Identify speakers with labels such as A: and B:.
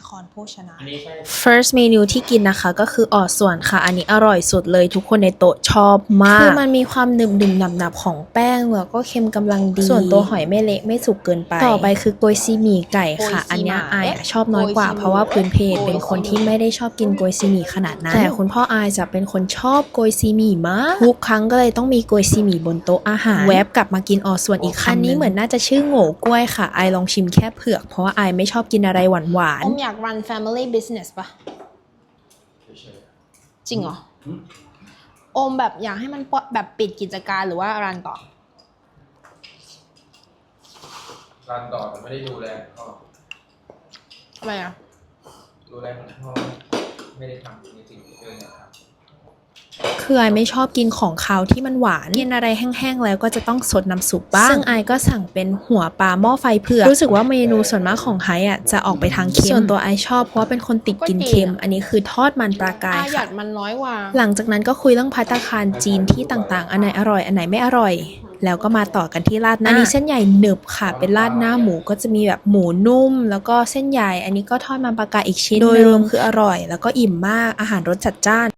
A: ครโภชนา
B: first เมนูที่กินนะคะก็คือออส่วนค่ะอันนี้อร่อยสุดเลยทุกคนในโต๊ะชอบมากคือมันมีความหนึบๆหนับๆของแป้งแล้วก็เค็มกำลังดีส่วนตัวหอยไม่เละไม่สุกเกินไปต่อไปคือโกยซีหมี่ไก่ค่ะอันนี้อายชอบน้อยกว่าเพราะว่าพื้นเพเป็นคนที่ไม่ได้ชอบกินโกยซีหมี่ขนาดนั้นแต่คุณพ่ออายจะเป็นคนชอบโกยซีหมี่มากทุกครั้งก็เลยต้องมีโกยซีหมี่บนโต๊ะอาหารแวบกลับมากินออส่วนอีกคำนึงอันนี้เหมือนน่าจะชื่อโง่กล้วยค่ะอายลองชิมแค่เผือกเพราะว่าอายไม่ชอบกินอะไรหวาน
A: อมอยาก run family business ปะจริงเหรออมแบบอยากให้มันแบบปิดกิจการหรือว่ารันต่อ
C: รันต่อแต่ไม่ได้ดูแลพ่อ
A: อะไรอ่ะ
C: ดูแลของพ่อไม่ได้ทำในสิ่งที่ตัวเองอยากทำ
B: คืออายไม่ชอบกินของคาวที่มันหวานกินอะไรแห้งๆแล้วก็จะต้องสดน้ำซุปบ้างซึ่งอายก็สั่งเป็นหัวปลาหม้อไฟเผือกรู้สึกว่าเมนูส่วนมากของไฮอ่ะจะออกไปทางเค็มส่วนตัวอายชอบเพราะว่าเป็นคนติดกินเค็มอันนี้คือทอดมันปลากาย
A: หยั
B: ค่ะ
A: ดมันน้อยกว่า
B: หลังจากนั้นก็คุยเรื่องภัตตาคารจีนที่ต่างๆอันไหนอร่อยอันไหนไม่อร่อยแล้วก็มาต่อกันที่ราดหน้าอันนี้เส้นใหญ่หนึบค่ะเป็นราดหน้าหมูก็จะมีแบบหมูนุ่มแล้วก็เส้นใหญ่อันนี้ก็ทอดมันปลากายอีกชิ้นโดยรวมคืออร่อยแล้วก็อิ่มมากอาหารรสจัดจ้าน